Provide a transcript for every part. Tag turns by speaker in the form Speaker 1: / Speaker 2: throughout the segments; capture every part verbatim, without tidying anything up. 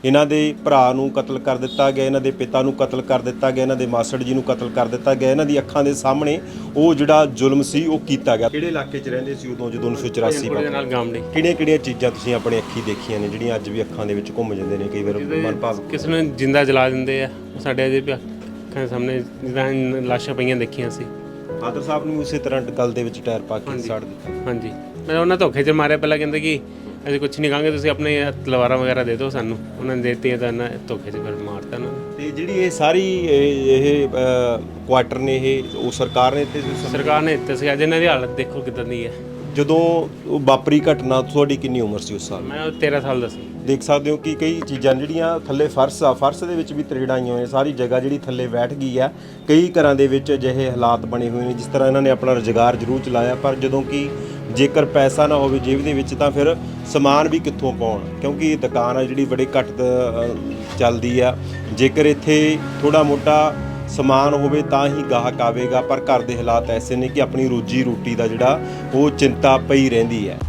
Speaker 1: ਇਹਨਾਂ ਦੇ ਭਰਾ ਨੂੰ ਕਤਲ ਕਰ ਦਿੱਤਾ ਗਿਆ, ਇਹਨਾਂ ਦੇ ਪਿਤਾ ਨੂੰ ਕਤਲ ਕਰ ਦਿੱਤਾ ਗਿਆ, ਇਹਨਾਂ ਦੇ ਮਾਸੜ ਜੀ ਨੂੰ ਕਤਲ ਕਰ ਦਿੱਤਾ ਗਿਆ। ਇਹਨਾਂ ਦੀ ਅੱਖਾਂ ਦੇ ਸਾਹਮਣੇ ਉਹ ਜਿਹੜਾ ਜ਼ੁਲਮ ਸੀ ਉਹ ਕੀਤਾ ਗਿਆ। ਕਿਹੜੇ ਇਲਾਕੇ 'ਚ ਰਹਿੰਦੇ ਸੀ ਉਦੋਂ ਜਦੋਂ ਉੱਨੀ ਸੌ ਚੁਰਾਸੀ
Speaker 2: ਨਾਲ ਗਾਮੜੀ?
Speaker 1: ਕਿਹੜੀਆਂ ਕਿਹੜੀਆਂ ਚੀਜ਼ਾਂ ਤੁਸੀਂ ਆਪਣੀ ਅੱਖੀ ਦੇਖੀਆਂ ਨੇ ਜਿਹੜੀਆਂ ਅੱਜ ਵੀ ਅੱਖਾਂ ਦੇ ਵਿੱਚ ਘੁੰਮ ਜਾਂਦੇ ਨੇ? ਕਈ ਵਾਰ ਮਨ ਭਾਵ
Speaker 2: ਕਿਸੇ ਨੂੰ ਜਿੰਦਾ ਜਲਾ ਦਿੰਦੇ ਆ, ਸਾਡੇ ਅਜੇ ਵੀ ਅੱਖਾਂ ਦੇ ਸਾਹਮਣੇ ਜਿੱਦਾਂ ਲਾਸ਼ਾਂ ਪਈਆਂ ਦੇਖੀਆਂ ਸੀ।
Speaker 1: ਫਾਦਰ ਸਾਹਿਬ ਨੂੰ ਉਸੇ ਤਰ੍ਹਾਂ ਗੱਲ ਦੇ ਵਿੱਚ ਟਾਇਰ ਪਾ ਕੇ ਸਾੜ ਦਿੱਤਾ।
Speaker 2: ਹਾਂਜੀ, ਮੈਂ ਉਹਨਾਂ ਧੋਖੇ 'ਚ ਮਾਰਿਆ। ਪਹਿਲਾਂ ਕਹਿੰਦੇ ਕਿ ਅਸੀਂ ਕੁਝ ਨਹੀਂ ਕਹਾਂਗੇ, ਤੁਸੀਂ ਆਪਣੇ ਤਲਵਾਰਾਂ ਵਗੈਰਾ ਦੇ ਦਿਓ ਸਾਨੂੰ। ਉਹਨਾਂ ਨੇ ਦੇ ਦਿੱਤੀਆਂ ਤਾਂ ਇਹਨਾਂ ਧੋਖੇ 'ਚ ਫਿਰ ਮਾਰਤਾ ਉਹਨਾਂ ਨੇ।
Speaker 1: ਤੇ ਜਿਹੜੀ ਇਹ ਸਾਰੀ ਇਹ ਇਹ ਕੁਆਟਰ ਨੇ ਇਹ ਉਹ ਸਰਕਾਰ ਨੇ ਤੇ
Speaker 2: ਸਰਕਾਰ ਨੇ ਦਿੱਤੇ ਸੀ। ਅੱਜ ਇਹਨਾਂ ਦੀ ਹਾਲਤ ਦੇਖੋ ਕਿੱਦਾਂ ਦੀ ਹੈ।
Speaker 1: ਜਦੋਂ ਉਹ ਵਾਪਰੀ ਘਟਨਾ ਤੁਹਾਡੀ ਕਿੰਨੀ ਉਮਰ ਸੀ ਉਸ ਸਾਲ?
Speaker 2: ਮੈਂ ਤੇਰ੍ਹਾਂ ਸਾਲ ਦਾ ਸੀ।
Speaker 1: ਦੇਖ ਸਕਦੇ ਹੋ ਕਿ ਕਈ ਚੀਜ਼ਾਂ ਜਿਹੜੀਆਂ ਥੱਲੇ ਫਰਸ਼ ਆ, ਫਰਸ਼ ਦੇ ਵਿੱਚ ਵੀ ਤਰੇੜਾਂ ਆਈਆਂ ਹੋਈਆਂ, ਸਾਰੀ ਜਗ੍ਹਾ ਜਿਹੜੀ ਥੱਲੇ ਬੈਠ ਗਈ ਆ। ਕਈ ਘਰਾਂ ਦੇ ਵਿੱਚ ਅਜਿਹੇ ਹਾਲਾਤ ਬਣੇ ਹੋਏ ਨੇ ਜਿਸ ਤਰ੍ਹਾਂ ਇਹਨਾਂ ਨੇ ਆਪਣਾ ਰੁਜ਼ਗਾਰ ਜ਼ਰੂਰ ਚਲਾਇਆ, ਪਰ ਜਦੋਂ ਕਿ ਜੇਕਰ ਪੈਸਾ ਨਾ ਹੋਵੇ ਜੇਬ ਦੇ ਵਿੱਚ ਤਾਂ ਫਿਰ ਸਮਾਨ ਵੀ ਕਿੱਥੋਂ ਪਾਉਣ, ਕਿਉਂਕਿ ਇਹ ਦੁਕਾਨ ਆ ਜਿਹੜੀ ਬੜੀ ਘੱਟ ਚੱਲਦੀ ਆ। ਜੇਕਰ ਇੱਥੇ ਥੋੜ੍ਹਾ ਮੋਟਾ ਸਮਾਨ ਹੋਵੇ ਤਾਂ ਹੀ ਗਾਹਕ ਆਵੇਗਾ, ਪਰ ਘਰ ਦੇ ਹਾਲਾਤ ਐਸੇ ਨੇ ਕਿ ਆਪਣੀ ਰੋਜੀ ਰੋਟੀ ਦਾ ਜਿਹੜਾ ਉਹ ਚਿੰਤਾ ਪਈ ਰਹਿੰਦੀ ਹੈ।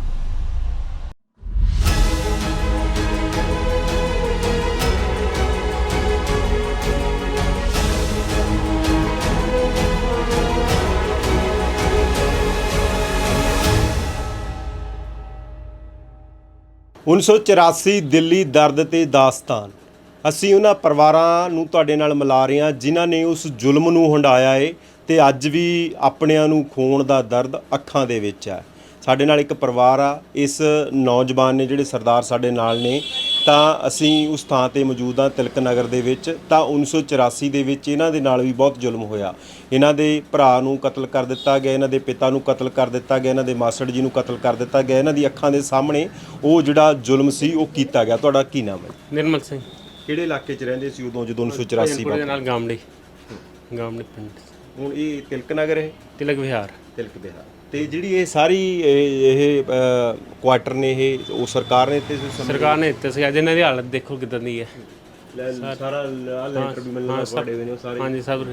Speaker 1: ਉੱਨੀ ਸੌ ਚੁਰਾਸੀ ਦਿੱਲੀ ਦਰਦ ਤੇ ਦਾਸਤਾਨ। ਅਸੀਂ ਉਹਨਾਂ ਪਰਿਵਾਰਾਂ ਨੂੰ ਤੁਹਾਡੇ ਨਾਲ ਮਿਲਾ ਰਹੇ ਹਾਂ ਜਿਨ੍ਹਾਂ ਨੇ ਉਸ ਜ਼ੁਲਮ ਨੂੰ ਹੰਢਾਇਆ ਏ ਤੇ ਅੱਜ ਵੀ ਆਪਣਿਆਂ ਨੂੰ ਖੋਣ ਦਾ ਦਰਦ ਅੱਖਾਂ ਦੇ ਵਿੱਚ ਹੈ। ਸਾਡੇ ਨਾਲ ਇੱਕ ਪਰਿਵਾਰ ਆ। ਇਸ ਨੌਜਵਾਨ ਨੇ ਜਿਹੜੇ ਸਰਦਾਰ ਸਾਡੇ ਨਾਲ ਨੇ, ਤਾਂ ਅਸੀਂ ਉਸ ਥਾਂ ਤੇ ਮੌਜੂਦ ਹਾਂ ਤਿਲਕ ਨਗਰ ਦੇ ਵਿੱਚ। ਤਾਂ ਉੱਨੀ ਸੌ ਚੁਰਾਸੀ ਦੇ ਵਿੱਚ ਇਹਨਾਂ ਦੇ ਨਾਲ ਵੀ ਬਹੁਤ ਜ਼ੁਲਮ ਹੋਇਆ। ਇਹਨਾਂ ਦੇ ਭਰਾ ਨੂੰ ਕਤਲ ਕਰ ਦਿੱਤਾ ਗਿਆ, ਇਹਨਾਂ ਦੇ ਪਿਤਾ ਨੂੰ ਕਤਲ ਕਰ ਦਿੱਤਾ ਗਿਆ, ਇਹਨਾਂ ਦੇ ਮਾਸੜ ਜੀ ਨੂੰ ਕਤਲ ਕਰ ਦਿੱਤਾ ਗਿਆ। ਇਹਨਾਂ ਦੀ ਅੱਖਾਂ ਦੇ ਸਾਹਮਣੇ ਉਹ ਜਿਹੜਾ ਜ਼ੁਲਮ ਸੀ ਉਹ ਕੀਤਾ ਗਿਆ। ਤੁਹਾਡਾ ਕੀ ਨਾਮ ਹੈ?
Speaker 2: ਨਿਰਮਲ ਸਿੰਘ।
Speaker 1: ਕਿਹੜੇ ਇਲਾਕੇ 'ਚ ਰਹਿੰਦੇ ਸੀ ਉਦੋਂ ਜਦੋਂ ਉੱਨੀ ਸੌ ਚੁਰਾਸੀ
Speaker 2: ਦੇ ਨਾਲ ਗਾਮੜੀ? ਗਾਮੜੀ ਪਿੰਡ।
Speaker 1: ਹੁਣ ਇਹ ਤਿਲਕ ਨਗਰ ਹੈ?
Speaker 2: ਤਿਲਕ ਵਿਹਾਰ।
Speaker 1: ਤਿਲਕ ਵਿਹਾਰ। ਤੇ ਜਿਹੜੀ ਇਹ ਸਾਰੀ ਇਹ ਕੁਆਟਰ ਨੇ ਇਹ ਉਹ ਸਰਕਾਰ ਨੇ ਤੇ
Speaker 2: ਸਰਕਾਰ ਨੇ ਦਿੱਤੇ ਸੀ। ਅੱਜ ਇਹਨਾਂ ਦੀ ਹਾਲਤ ਦੇਖੋ ਕਿੱਦਾਂ ਦੀ ਹੈ।
Speaker 1: ਸਾਰਾ ਲੈਂਟਰ ਵੀ ਮਿਲਣਾ ਪੜੇ ਹੋਏ ਨੇ ਸਾਰੇ। ਹਾਂਜੀ
Speaker 2: ਸਭ।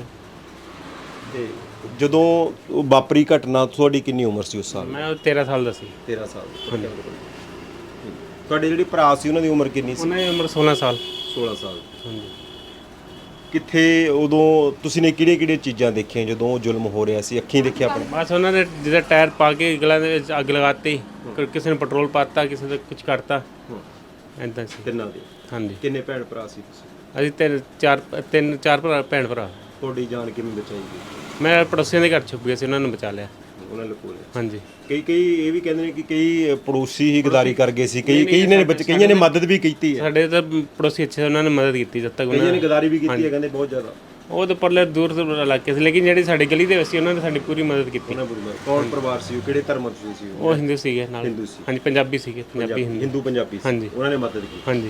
Speaker 1: ਤੇ ਜਦੋਂ ਉਹ ਵਾਪਰੀ ਘਟਨਾ ਤੁਹਾਡੀ ਕਿੰਨੀ ਉਮਰ ਸੀ ਉਸ ਸਾਲ?
Speaker 2: ਮੈਂ ਤੇਰ੍ਹਾਂ ਸਾਲ ਦਾ ਸੀ।
Speaker 1: ਤੇਰ੍ਹਾਂ ਸਾਲ। ਤੁਹਾਡੇ ਜਿਹੜੇ ਭਰਾ ਸੀ ਉਹਨਾਂ ਦੀ ਉਮਰ ਕਿੰਨੀ ਸੀ?
Speaker 2: ਉਹਨਾਂ ਦੀ ਉਮਰ ਸੋਲ੍ਹਾਂ ਸਾਲ।
Speaker 1: ਸੋਲ੍ਹਾਂ ਸਾਲ।
Speaker 2: ਹਾਂਜੀ।
Speaker 1: ਕਿੱਥੇ ਉਦੋਂ ਤੁਸੀਂ ਨੇ ਕਿਹੜੀਆਂ ਕਿਹੜੀਆਂ ਚੀਜ਼ਾਂ ਦੇਖੀਆਂ ਜਦੋਂ ਉਹ ਜ਼ੁਲਮ ਹੋ ਰਿਹਾ ਸੀ? ਅੱਖੀਂ ਦੇਖਿਆ ਆਪਣੇ?
Speaker 2: ਬਸ ਉਹਨਾਂ ਨੇ ਜਿਹਦਾ ਟਾਇਰ ਪਾ ਕੇ ਗਲਾਂ ਦੇ ਵਿੱਚ ਅੱਗ ਲਗਾਤੀ, ਕਿਸੇ ਨੇ ਪੈਟਰੋਲ ਪਾਤਾ, ਕਿਸੇ ਨੇ ਕੁਝ ਕਰਤਾ, ਐਦਾਂ ਸੀ।
Speaker 1: ਤਿੰਨਾਂ ਦੇ? ਹਾਂਜੀ। ਕਿੰਨੇ ਭੈਣ ਭਰਾ ਸੀ ਤੁਸੀਂ?
Speaker 2: ਅਸੀਂ ਤਿੰਨ ਚਾਰ ਤਿੰਨ ਚਾਰ ਭਰਾ ਭੈਣ ਭਰਾ।
Speaker 1: ਤੁਹਾਡੀ ਜਾਨ ਕਿਵੇਂ ਬਚਾਈ ਗਈ?
Speaker 2: ਮੈਂ ਪੜੋਸੀਆਂ ਦੇ ਘਰ ਛੁਪ ਗਿਆ ਸੀ, ਉਹਨਾਂ ਨੂੰ ਬਚਾ ਲਿਆ।
Speaker 1: ਉਹਨਾਂ ਨੇ ਕੋਲੇ? ਹਾਂਜੀ। ਕਈ ਕਈ ਇਹ ਵੀ ਕਹਿੰਦੇ ਨੇ ਕਿ ਕਈ ਪੜੋਸੀ ਹੀ ਗਦਾਰੀ ਕਰ ਗਏ ਸੀ, ਕਈ ਕਈ ਨੇ ਕਈਆਂ ਨੇ ਮਦਦ ਵੀ ਕੀਤੀ ਹੈ।
Speaker 2: ਸਾਡੇ ਤਾਂ ਪੜੋਸੀ ਅੱਛੇ, ਉਹਨਾਂ ਨੇ ਮਦਦ ਕੀਤੀ ਜਦ ਤੱਕ।
Speaker 1: ਕਈਆਂ ਨੇ ਗਦਾਰੀ ਵੀ ਕੀਤੀ ਹੈ ਕਹਿੰਦੇ ਬਹੁਤ ਜ਼ਿਆਦਾ।
Speaker 2: ਉਹ ਤਾਂ ਪਰਲੇ ਦੂਰ ਤੋਂ ਇਲਾਕੇ ਸੀ, ਲੇਕਿਨ ਜਿਹੜੀ ਸਾਡੀ ਗਲੀ ਦੇ ਵਿੱਚ ਸੀ ਉਹਨਾਂ ਨੇ ਸਾਡੀ ਪੂਰੀ ਮਦਦ ਕੀਤੀ।
Speaker 1: ਕੌਣ ਪਰਿਵਾਰ ਸੀ ਉਹ? ਕਿਹੜੇ ਧਰਮ ਦੇ ਸੀ ਉਹ?
Speaker 2: ਉਹ ਹਿੰਦੂ ਸੀਗੇ ਨਾਲ। ਹਾਂਜੀ, ਪੰਜਾਬੀ ਸੀਗੇ। ਪੰਜਾਬੀ
Speaker 1: ਹਿੰਦੂ ਪੰਜਾਬੀ ਸੀ।
Speaker 2: ਹਾਂਜੀ।
Speaker 1: ਉਹਨਾਂ ਨੇ ਮਦਦ ਕੀਤੀ।
Speaker 2: ਹਾਂਜੀ।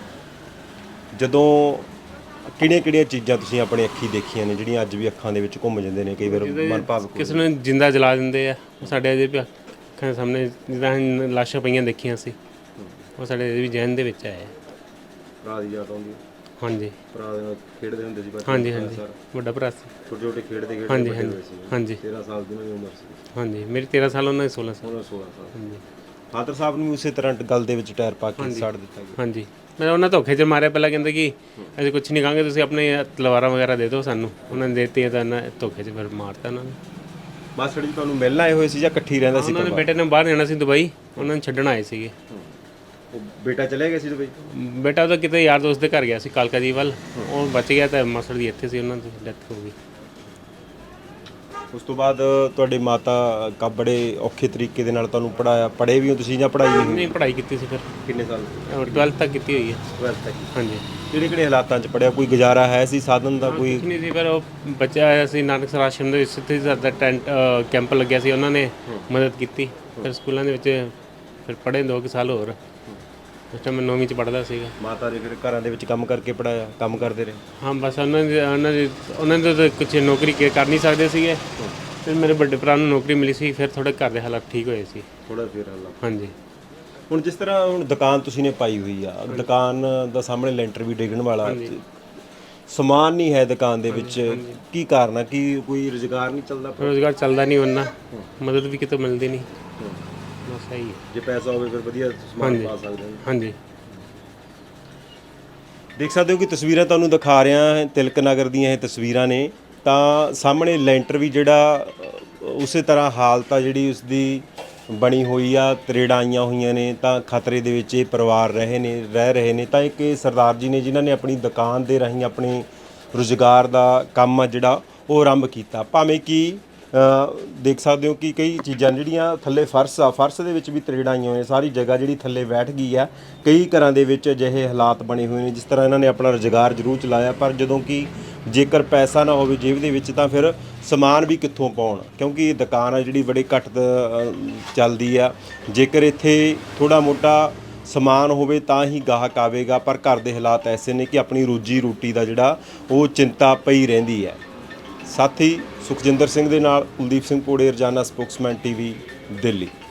Speaker 1: ਜਦੋਂ ਕਿਹੜੀਆਂ ਕਿਹੜੀਆਂ ਚੀਜ਼ਾਂ ਤੁਸੀਂ ਆਪਣੀ ਅੱਖੀ ਦੇਖੀਆਂ ਨੇ ਜਿਹੜੀਆਂ ਅੱਜ ਵੀ ਅੱਖਾਂ ਦੇ ਵਿੱਚ ਘੁੰਮ ਜਾਂਦੇ ਨੇ? ਕਈ ਵਾਰ ਮਨ ਭਾਵ
Speaker 2: ਕਿਸੇ ਨੂੰ ਜਿੰਦਾ ਜਲਾ ਦਿੰਦੇ ਆ, ਸਾਡੇ ਅਜੇ ਵੀ ਅੱਖਾਂ ਦੇ ਸਾਹਮਣੇ ਜਿੱਦਾਂ ਲਾਸ਼ਾਂ ਪਈਆਂ ਦੇਖੀਆਂ ਸੀ। ਉਹ ਸਾਡੇ ਅਜੇ ਵੀ ਜ਼ਹਿਨ ਦੇ ਵਿੱਚ ਆਏ।
Speaker 1: ਭਰਾ ਦੀ ਯਾਦ ਆਉਂਦੀ? ਹਾਂਜੀ। ਭਰਾ ਦੇ ਨਾਲ ਖੇਡਦੇ ਹੁੰਦੇ ਸੀ?
Speaker 2: ਹਾਂਜੀ ਹਾਂਜੀ, ਵੱਡਾ ਭਰਾ ਸੀ।
Speaker 1: ਛੋਟੇ ਛੋਟੇ ਖੇਡਦੇ ਖੇਡਦੇ
Speaker 2: ਹਾਂਜੀ ਹਾਂਜੀ ਹਾਂਜੀ।
Speaker 1: ਤੇਰ੍ਹਾਂ ਸਾਲ ਦੀ ਉਮਰ ਸੀ? ਹਾਂਜੀ,
Speaker 2: ਮੇਰੀ ਤੇਰ੍ਹਾਂ ਸਾਲ, ਉਹਨਾਂ ਦੀ ਸੋਲ੍ਹਾਂ ਸਾਲ।
Speaker 1: ਸੋਲ੍ਹਾਂ ਸਾਲ। ਹਾਂਜੀ। ਫਾਦਰ ਸਾਹਿਬ ਨੂੰ ਉਸੇ ਤਰ੍ਹਾਂ ਗੱਲ ਦੇ ਵਿੱਚ ਟਾਇਰ ਪਾ ਕੇ ਸਾੜ ਦਿੱਤਾ ਗਿਆ? ਹਾਂਜੀ।
Speaker 2: ਮੈਂ ਉਹਨਾਂ ਧੋਖੇ 'ਚ ਮਾਰਿਆ। ਪਹਿਲਾਂ ਕਹਿੰਦੇ ਕਿ ਅਸੀਂ ਕੁਝ ਨਹੀਂ ਕਹਾਂਗੇ, ਤੁਸੀਂ ਆਪਣੇ ਤਲਵਾਰਾਂ ਵਗੈਰਾ ਦੇ ਦਿਓ ਸਾਨੂੰ। ਉਹਨਾਂ ਨੇ ਦੇ ਦਿੱਤੀਆਂ ਤਾਂ ਇਹਨਾਂ ਧੋਖੇ 'ਚ ਫਿਰ ਮਾਰਤਾ ਉਹਨਾਂ ਨੇ।
Speaker 1: ਮਾਸੜ ਜੀ ਤੁਹਾਨੂੰ ਮਿਲਣ ਆਏ ਹੋਏ ਸੀ ਜਾਂ ਇਕੱਠੀ ਰਹਿੰਦਾ ਸੀ?
Speaker 2: ਉਹਨਾਂ ਦੇ ਬੇਟੇ ਨੇ ਬਾਹਰ ਜਾਣਾ ਸੀ ਦੁਬਈ, ਉਹਨਾਂ ਨੂੰ ਛੱਡਣ ਆਏ ਸੀਗੇ।
Speaker 1: ਉਹ ਬੇਟਾ ਚਲੇ ਗਿਆ ਸੀ ਦੁਬਈ?
Speaker 2: ਬੇਟਾ ਤਾਂ ਕਿਤੇ ਯਾਰ ਦੋਸਤ ਦੇ ਘਰ ਗਿਆ ਸੀ ਕਾਲਕਾ ਜੀ ਵੱਲ, ਉਹ ਬਚ ਗਿਆ ਤਾਂ ਮਾਸੜ ਜੀ ਇੱਥੇ ਸੀ, ਉਹਨਾਂ ਦੀ ਡੈਥ ਹੋ ਗਈ।
Speaker 1: ਉਸ ਤੋਂ ਬਾਅਦ ਤੁਹਾਡੇ ਮਾਤਾ ਕਾ ਬੜੇ ਔਖੇ ਤਰੀਕੇ ਦੇ ਨਾਲ ਤੁਹਾਨੂੰ ਪੜਾਇਆ? ਪੜ੍ਹੇ ਵੀ ਹੋ ਤੁਸੀਂ ਜਾਂ ਪੜ੍ਹਾਈ ਨਹੀਂ?
Speaker 2: ਨਹੀਂ, ਪੜ੍ਹਾਈ ਕੀਤੀ ਸੀ। ਫਿਰ
Speaker 1: ਕਿੰਨੇ ਸਾਲ?
Speaker 2: ਟਵੈਲਥ ਤੱਕ ਕੀਤੀ ਹੋਈ ਹੈ।
Speaker 1: ਟਵੈਲਥ ਤੱਕ? ਹਾਂਜੀ।
Speaker 2: ਕਿਹੜੇ
Speaker 1: ਕਿਹੜੇ ਹਾਲਾਤਾਂ 'ਚ ਪੜ੍ਹਿਆ? ਕੋਈ ਗੁਜ਼ਾਰਾ ਹੈ ਸੀ ਸਾਧਨ ਦਾ? ਕੋਈ
Speaker 2: ਨਹੀਂ ਸੀ। ਫਿਰ ਉਹ ਬੱਚਾ ਆਇਆ ਸੀ ਨਾਨਕ ਆਸ਼ਰਮ ਦੇ ਵਿੱਚ, ਇੱਥੇ ਸਾਡਾ ਟੈਂਟ ਕੈਂਪ ਲੱਗਿਆ ਸੀ, ਉਹਨਾਂ ਨੇ ਮਦਦ ਕੀਤੀ। ਫਿਰ ਸਕੂਲਾਂ ਦੇ ਵਿੱਚ ਫਿਰ ਪੜ੍ਹੇ ਦੋ ਕੁ ਸਾਲ ਹੋਰ। ਉਸ ਟਾਈਮ ਮੈਂ ਨੌਵੀਂ 'ਚ ਪੜ੍ਹਦਾ ਸੀਗਾ।
Speaker 1: ਮਾਤਾ ਦੇ ਫਿਰ ਘਰਾਂ ਦੇ ਵਿੱਚ ਕੰਮ ਕਰਕੇ ਪੜ੍ਹਾਇਆ? ਕੰਮ ਕਰਦੇ ਰਹੇ?
Speaker 2: ਹਾਂ, ਬਸ ਉਹਨਾਂ ਦੀ ਉਹਨਾਂ ਦੀ ਉਹਨਾਂ ਦੇ ਤਾਂ ਕੁਛ ਨੌਕਰੀ ਕਰ ਨਹੀਂ ਸਕਦੇ ਸੀਗੇ। ਫਿਰ ਮੇਰੇ ਵੱਡੇ ਭਰਾ ਨੂੰ ਨੌਕਰੀ ਮਿਲੀ ਸੀ, ਫਿਰ ਥੋੜ੍ਹੇ ਘਰ ਦੇ ਹਾਲਾਤ ਠੀਕ ਹੋਏ ਸੀ
Speaker 1: ਥੋੜ੍ਹਾ। ਫਿਰ ਹਾਲਾਤ? ਹਾਂਜੀ।
Speaker 2: ਹੁਣ
Speaker 1: ਜਿਸ ਤਰ੍ਹਾਂ ਹੁਣ ਦੁਕਾਨ ਤੁਸੀਂ ਨੇ ਪਾਈ ਹੋਈ ਆ, ਦੁਕਾਨ ਦਾ ਸਾਹਮਣੇ ਲੈਂਟਰ ਵੀ ਡਿੱਗਣ ਵਾਲਾ, ਸਮਾਨ ਨਹੀਂ ਹੈ ਦੁਕਾਨ ਦੇ ਵਿੱਚ, ਕੀ ਕਾਰਨ ਆ? ਕੀ ਕੋਈ ਰੁਜ਼ਗਾਰ ਨਹੀਂ ਚੱਲਦਾ?
Speaker 2: ਰੁਜ਼ਗਾਰ ਚੱਲਦਾ ਨਹੀਂ, ਉਹਨਾਂ ਮਦਦ ਵੀ ਕਿਤੋਂ ਮਿਲਦੀ ਨਹੀਂ। ਬਸ ਇਹੀ ਹੈ।
Speaker 1: ਜੇ ਪੈਸਾ ਹੋਵੇ ਫਿਰ ਵਧੀਆ ਸਮਾਨ ਪਾ ਸਕਦੇ ਹਾਂ।
Speaker 2: ਹਾਂਜੀ।
Speaker 1: ਦੇਖ ਸਕਦੇ ਹੋ ਕਿ ਤਸਵੀਰਾਂ ਤੁਹਾਨੂੰ ਦਿਖਾ ਰਿਹਾ ਤਿਲਕ ਨਗਰ ਦੀਆਂ ਇਹ ਤਸਵੀਰਾਂ ਨੇ। ਤਾਂ ਸਾਹਮਣੇ ਲੈਂਟਰ ਵੀ ਜਿਹੜਾ ਅ, ਉਸੇ ਤਰ੍ਹਾਂ ਹਾਲਤ ਆ ਜਿਹੜੀ ਉਸਦੀ ਬਣੀ ਹੋਈ ਆ, ਤਰੇੜਾਂ ਆਈਆਂ ਹੋਈਆਂ ਨੇ। ਤਾਂ ਖਤਰੇ ਦੇ ਵਿੱਚ ਇਹ ਪਰਿਵਾਰ ਰਹੇ ਨੇ ਰਹਿ ਰਹੇ ਨੇ। ਤਾਂ ਇੱਕ ਇਹ ਸਰਦਾਰ ਜੀ ਨੇ ਜਿਨ੍ਹਾਂ ਨੇ ਆਪਣੀ ਦੁਕਾਨ ਦੇ ਰਾਹੀਂ ਆਪਣੇ ਰੁਜ਼ਗਾਰ ਦਾ ਕੰਮ ਆ ਜਿਹੜਾ ਉਹ ਆਰੰਭ ਕੀਤਾ। ਭਾਵੇਂ ਕਿ ਅ, ਦੇਖ ਸਕਦੇ ਹੋ ਕਿ ਕਈ ਚੀਜ਼ਾਂ ਜਿਹੜੀਆਂ ਥੱਲੇ ਫਰਸ਼ ਆ, ਫਰਸ਼ ਦੇ ਵਿੱਚ ਵੀ ਤਰੇੜਾਂ ਆਈਆਂ ਹੋਈਆਂ, ਸਾਰੀ ਜਗ੍ਹਾ ਜਿਹੜੀ ਥੱਲੇ ਬੈਠ ਗਈ ਆ। ਕਈ ਘਰਾਂ ਦੇ ਵਿੱਚ ਅਜਿਹੇ ਹਾਲਾਤ ਬਣੇ ਹੋਏ ਨੇ ਜਿਸ ਤਰ੍ਹਾਂ ਇਹਨਾਂ ਨੇ ਆਪਣਾ ਰੁਜ਼ਗਾਰ ਜ਼ਰੂਰ ਚਲਾਇਆ, ਪਰ ਜਦੋਂ ਕਿ ਜੇਕਰ ਪੈਸਾ ਨਾ ਹੋਵੇ ਜੇਬ ਦੇ ਵਿੱਚ ਤਾਂ ਫਿਰ ਸਮਾਨ ਵੀ ਕਿੱਥੋਂ ਪਾਉਣ, ਕਿਉਂਕਿ ਇਹ ਦੁਕਾਨ ਆ ਜਿਹੜੀ ਬੜੀ ਘੱਟ ਅ, ਚੱਲਦੀ ਆ। ਜੇਕਰ ਇੱਥੇ ਥੋੜ੍ਹਾ ਮੋਟਾ ਸਮਾਨ ਹੋਵੇ ਤਾਂ ਹੀ ਗਾਹਕ ਆਵੇਗਾ, ਪਰ ਘਰ ਦੇ ਹਾਲਾਤ ਐਸੇ ਨੇ ਕਿ ਆਪਣੀ ਰੋਜੀ ਰੋਟੀ ਦਾ ਜਿਹੜਾ ਉਹ ਚਿੰਤਾ ਪਈ ਰਹਿੰਦੀ ਹੈ। ਸਾਥੀ ਸੁਖਜਿੰਦਰ ਸਿੰਘ ਦੇ ਨਾਲ ਕੁਲਦੀਪ ਸਿੰਘ ਪੋੜੇ, ਰੋਜ਼ਾਨਾ ਸਪੋਕਸਮੈਨ ਟੀਵੀ, ਦਿੱਲੀ।